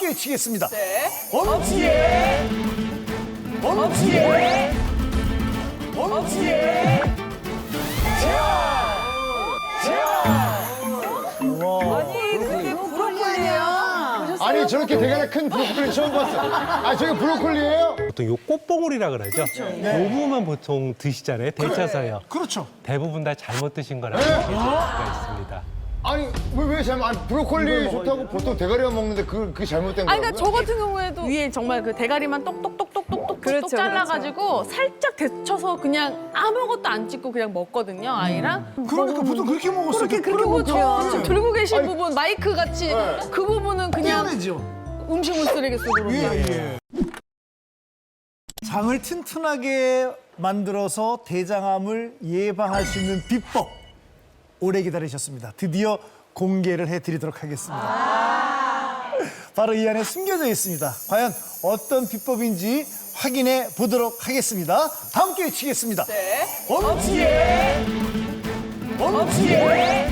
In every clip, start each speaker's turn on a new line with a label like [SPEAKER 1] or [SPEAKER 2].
[SPEAKER 1] 함께 외치겠습니다.
[SPEAKER 2] 네.
[SPEAKER 1] 엄지에 엄지에 엄지에
[SPEAKER 2] 아니, 그게 브로콜리예요.
[SPEAKER 3] 아니 저렇게 대가리 큰 브로콜리 처음 봤어. 아 저게 브로콜리예요?
[SPEAKER 4] 보통 요 꽃봉오리라 그러죠. 요 부분만 보통 드시잖아요. 데쳐서요.
[SPEAKER 1] 그렇죠.
[SPEAKER 4] 대부분 다 잘못 드신 거라고 얘기할 수가 있습니다.
[SPEAKER 3] 아니 왜 잘못? 아니 브로콜리 좋다고 보통 대가리만 먹는데 그게 잘못된
[SPEAKER 5] 아니,
[SPEAKER 3] 거라고요?
[SPEAKER 5] 그러니까 저 같은 경우에도 위에 정말 그 대가리만 똑똑똑똑똑똑
[SPEAKER 2] 그렇죠,
[SPEAKER 5] 잘라가지고 살짝 데쳐서 그냥 아무것도 안 찍고 그냥 먹거든요, 아이랑.
[SPEAKER 1] 그러니까 보통 그렇게 먹었어요.
[SPEAKER 5] 그리고 저 지금 들고 계신 부분 마이크 같이 그 부분은 그냥
[SPEAKER 1] 떼어내죠.
[SPEAKER 5] 음식물 쓰레기 속으로 그냥.
[SPEAKER 1] 예. 장을 튼튼하게 만들어서 대장암을 예방할 수 있는 비법 오래 기다리셨습니다. 드디어 공개를 해드리도록 하겠습니다. 바로 이 안에 숨겨져 있습니다. 과연 어떤 비법인지 확인해 보도록 하겠습니다. 다 함께 외치겠습니다.
[SPEAKER 2] 네.
[SPEAKER 1] 엄지에 엄지에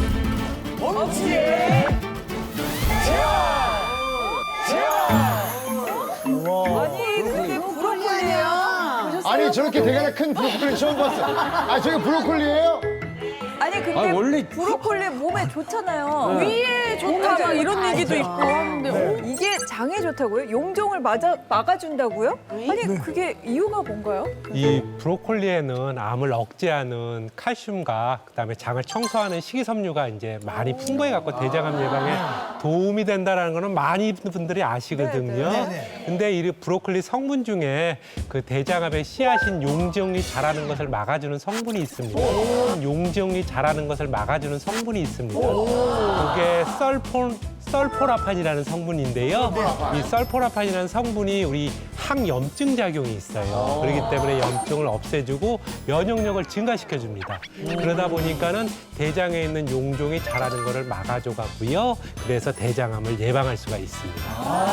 [SPEAKER 1] 엄지에
[SPEAKER 2] 아니, 그게 브로콜리예요.
[SPEAKER 3] 아니 저렇게 대가리 큰 브로콜리 처음 봤어. 아 저게 브로콜리예요?
[SPEAKER 2] 아니, 근데
[SPEAKER 4] 원래
[SPEAKER 2] 브로콜리 몸에 좋잖아요.
[SPEAKER 5] 위에 좋다 막 이런 얘기도 있고 하는데
[SPEAKER 2] 이게 장에 좋다고요? 용종을 막아준다고요? 아니, 그게 이유가 뭔가요?
[SPEAKER 4] 이 브로콜리에는 암을 억제하는 칼슘과 그다음에 장을 청소하는 식이섬유가 이제 많이 풍부해 갖고 대장암 예방에 도움이 된다라는 거는 많은 분들이 아시거든요. 근데 이 브로콜리 성분 중에 그 대장암의 씨앗인 용종이 자라는 것을 막아주는 성분이 있습니다. 용종이 자라는 것을 막아주는 성분이 있습니다. 그게 썰포라판이라는 성분인데요. 이 썰포라판이라는 성분이 우리 항염증 작용이 있어요. 그렇기 때문에 염증을 없애주고 면역력을 증가시켜줍니다. 그러다 보니까는 대장에 있는 용종이 자라는 것을 막아줘 갖고요. 그래서 대장암을 예방할 수가 있습니다.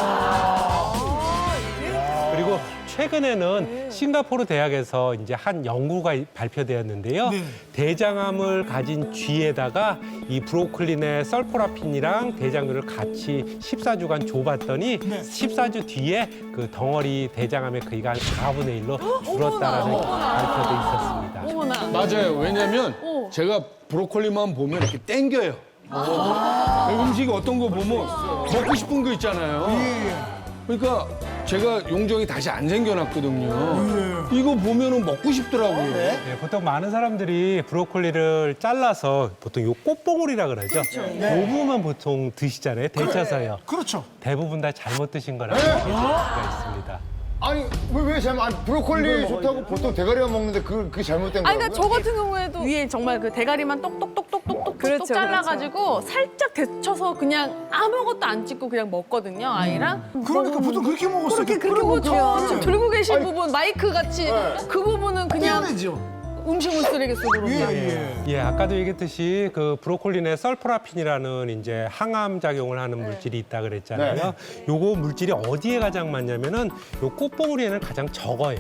[SPEAKER 4] 그리고 최근에는 싱가포르 대학에서 이제 한 연구가 발표되었는데요. 대장암을 가진 쥐에다가 이 브로콜리 내 설포라핀이랑 대장균을 같이 14주간 줘봤더니 14주 뒤에 그 덩어리 대장암의 크기가 한 4분의 1로 줄었다라는 발표도 있었습니다.
[SPEAKER 5] 어머나.
[SPEAKER 6] 맞아요. 왜냐면 제가 브로콜리만 보면 이렇게 땡겨요. 음식이 어떤 거 보면 먹고 싶은 거 있잖아요. 그러니까 제가 용종이 다시 안 생겨났거든요. 이거 보면은 먹고 싶더라고요.
[SPEAKER 4] 네, 보통 많은 사람들이 브로콜리를 잘라서 보통 요 꽃봉오리라 그러죠. 요 부분만 보통 드시잖아요. 데쳐서요.
[SPEAKER 1] 그렇죠.
[SPEAKER 4] 대부분 다 잘못 드신 거라고 얘기할 수가 있습니다.
[SPEAKER 3] 아니 왜 잘못? 아니 브로콜리 좋다고 보통 대가리만 먹는데 그게 잘못된
[SPEAKER 5] 아니,
[SPEAKER 3] 거라고요?
[SPEAKER 5] 그러니까 저 같은 경우에도 위에 정말 그 대가리만 똑똑똑똑똑
[SPEAKER 2] 그렇죠,
[SPEAKER 5] 잘라가지고 살짝 데쳐서 그냥 아무것도 안 찍고 그냥 먹거든요, 아이랑.
[SPEAKER 1] 그러니까 보통 그렇게 먹었어요.
[SPEAKER 5] 그리고 저 지금 들고 계신 부분 마이크 같이 그 부분은 그냥
[SPEAKER 1] 떼어내죠.
[SPEAKER 5] 음식물 쓰레기 속으로 그냥.
[SPEAKER 4] 예, 아까도 얘기했듯이 그 브로콜리 내 설포라핀이라는 이제 항암 작용을 하는 물질이 있다 그랬잖아요. 요거 물질이 어디에 가장 많냐면은 요 꽃봉오리에는 가장 적어요.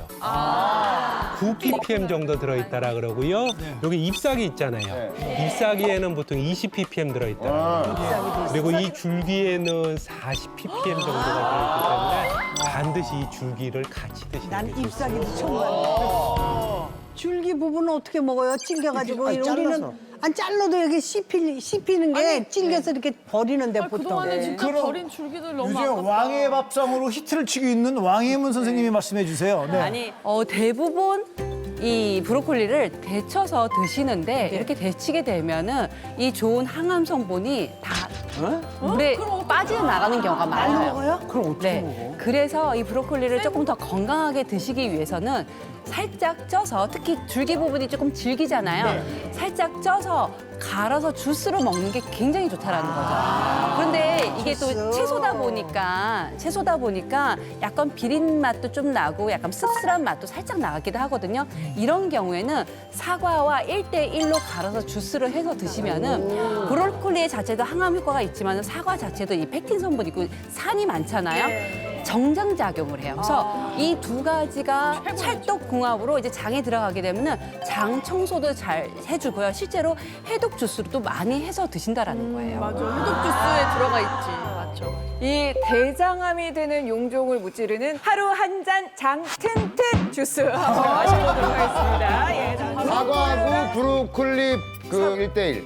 [SPEAKER 4] 9ppm 정도 들어있다라 그러고요. 여기 잎사귀 있잖아요. 잎사귀에는 보통 20ppm 들어있다. 그리고 이 줄기에는 40ppm 정도가 들어있기 때문에 반드시 이 줄기를 같이 드시는 게 좋습니다.
[SPEAKER 7] 잎사귀도 처음 봤는데. 줄기 부분은 어떻게 먹어요? 찔겨가지고 우리는 안 잘라도 여기 씹히는 게 찔겨서 이렇게 버리는데 보통.
[SPEAKER 5] 그동안에 진짜
[SPEAKER 1] 그럼
[SPEAKER 5] 버린 줄기들 너무
[SPEAKER 1] 요즘
[SPEAKER 5] 아깝다.
[SPEAKER 1] 왕의 밥상으로 히트를 치고 있는 왕혜문 선생님이 말씀해 주세요. 네.
[SPEAKER 8] 아니, 대부분 이 브로콜리를 데쳐서 드시는데 이렇게 데치게 되면은 이 좋은 항암 성분이 다 물에 빠져나가는 경우가 많아요.
[SPEAKER 7] 먹어요?
[SPEAKER 1] 그럼 어떻게
[SPEAKER 8] 네.
[SPEAKER 1] 먹어?
[SPEAKER 8] 그래서 이 브로콜리를 조금 더 건강하게 드시기 위해서는 살짝 쪄서, 특히 줄기 부분이 조금 질기잖아요. 살짝 쪄서 갈아서 주스로 먹는 게 굉장히 좋다라는 거죠. 그런데 이게 또 채소다 보니까 약간 비린 맛도 좀 나고 약간 씁쓸한 맛도 살짝 나기도 하거든요. 이런 경우에는 사과와 1대1로 갈아서 주스를 해서 드시면은 브로콜리 자체도 항암 효과가 있지만 사과 자체도 이 펙틴 성분이 있고 산이 많잖아요. 정장작용을 해요. 그래서 이 두 가지가 찰떡궁합으로 이제 장에 들어가게 되면은 장 청소도 잘 해주고요. 실제로 해독 주스로 또 많이 해서 드신다라는 거예요.
[SPEAKER 5] 맞아. 해독 주스에 들어가 있지. 맞죠.
[SPEAKER 2] 이 대장암이 되는 용종을 무찌르는 하루 한 잔 장 튼튼 주스 한번 마셔보도록 하겠습니다. 예, 자,
[SPEAKER 3] 사과하고 브로콜리 그 1대1.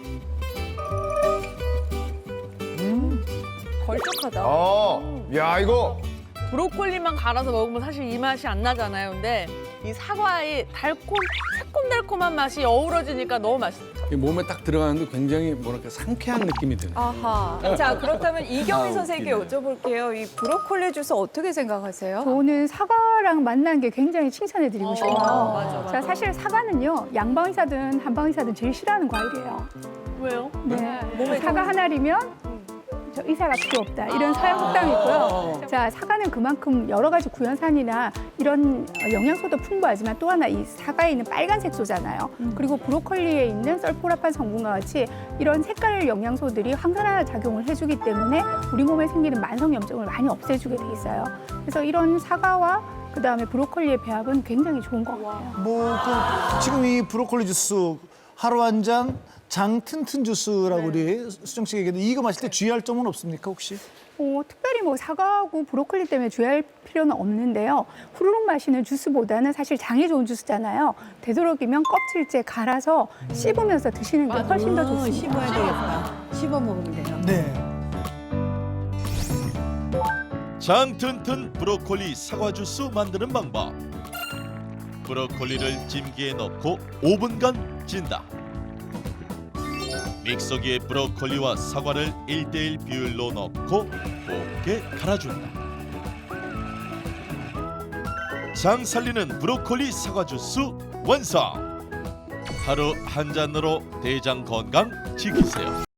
[SPEAKER 2] 걸쭉하다.
[SPEAKER 3] 야 이거
[SPEAKER 5] 브로콜리만 갈아서 먹으면 사실 이 맛이 안 나잖아요. 근데 이 사과의 새콤달콤한 맛이 어우러지니까 너무 맛있어.
[SPEAKER 6] 이 몸에 딱 들어가는데 굉장히 뭐랄까 상쾌한 느낌이 드네.
[SPEAKER 2] 아하. 자, 그렇다면 이경희
[SPEAKER 6] 아,
[SPEAKER 2] 선생님께 여쭤볼게요. 이 브로콜리 주스 어떻게 생각하세요?
[SPEAKER 9] 저는 사과랑 만난 게 굉장히 칭찬해드리고 싶어요.
[SPEAKER 2] 맞아.
[SPEAKER 9] 자, 사실 사과는요, 양방이사든 한방이사든 제일 싫어하는 과일이에요.
[SPEAKER 5] 왜요?
[SPEAKER 9] 네. 사과 하나리면 저 의사가 필요 없다. 이런 서양 속담이 있고요. 자, 사과는 그만큼 여러 가지 구연산이나 이런 영양소도 풍부하지만 또 하나 이 사과에 있는 빨간색소잖아요. 그리고 브로콜리에 있는 설포라판 성분과 같이 이런 색깔 영양소들이 항산화 작용을 해주기 때문에 우리 몸에 생기는 만성 염증을 많이 없애주게 돼 있어요. 그래서 이런 사과와 그다음에 브로콜리의 배합은 굉장히 좋은 것 같아요.
[SPEAKER 1] 지금 이 브로콜리 주스 하루 한 잔 장 튼튼 주스라고 우리 수정 씨가 얘기했는데 이거 마실 때 주의할 점은 없습니까 혹시?
[SPEAKER 9] 특별히 뭐 사과하고 브로콜리 때문에 주의할 필요는 없는데요. 후루룩 마시는 주스보다는 사실 장에 좋은 주스잖아요. 되도록이면 껍질째 갈아서 씹으면서 드시는 게 훨씬 더 좋습니다.
[SPEAKER 7] 씹어야 되겠다. 씹어 먹으면 돼요.
[SPEAKER 1] 네.
[SPEAKER 10] 장 튼튼 브로콜리 사과 주스 만드는 방법. 브로콜리를 찜기에 넣고 5분간 찐다. 믹서기에 브로콜리와 사과를 1대1 비율로 넣고 곱게 갈아준다. 장 살리는 브로콜리 사과 주스 완성! 하루 한 잔으로 대장 건강 지키세요.